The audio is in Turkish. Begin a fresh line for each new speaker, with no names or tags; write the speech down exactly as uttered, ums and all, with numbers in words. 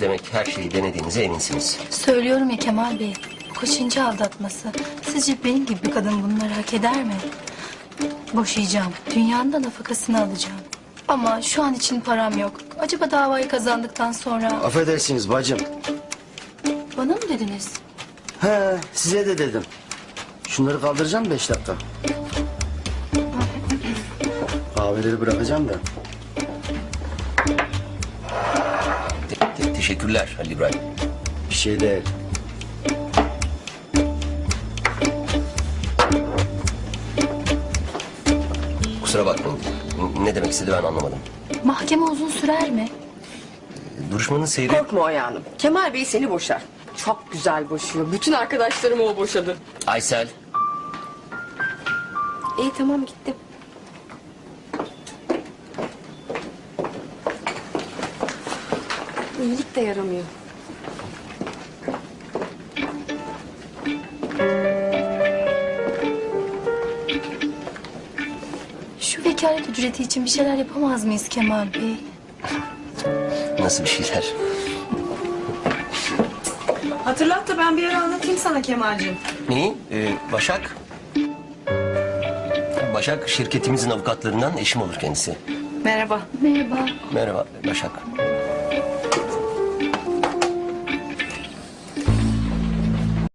Demek her şeyi denediğinize eminsiniz.
Söylüyorum ya Kemal Bey. Bu kaçıncı aldatması? Sizce benim gibi bir kadın bunları hak eder mi? Boşayacağım. Dünyanın da nafakasını alacağım. Ama şu an için param yok. Acaba davayı kazandıktan sonra...
Affedersiniz bacım.
Bana mı dediniz?
He, size de dedim. Şunları kaldıracağım beş dakika. Kahveleri bırakacağım da.
Te- te- teşekkürler Halil İbrahim.
Bir şey değil.
Kusura bakmayın. N- Ne demek istedi ben anlamadım.
Mahkeme uzun sürer mi?
Duruşmanın seyri...
Korkma Oya Hanım. Kemal Bey seni boşar. Çok güzel boşuyor. Bütün arkadaşlarımı o boşadı.
Aysel.
İyi tamam gittim. İyilik de yaramıyor.
Şu vekalet ücreti için bir şeyler yapamaz mıyız Kemal Bey?
Nasıl bir şeyler?
Hatırlat da ben bir ara anlatayım sana Kemal'cim.
Neyi? Ee, Başak. Başak şirketimizin avukatlarından, eşim olur kendisi.
Merhaba.
Merhaba.
Merhaba Başak.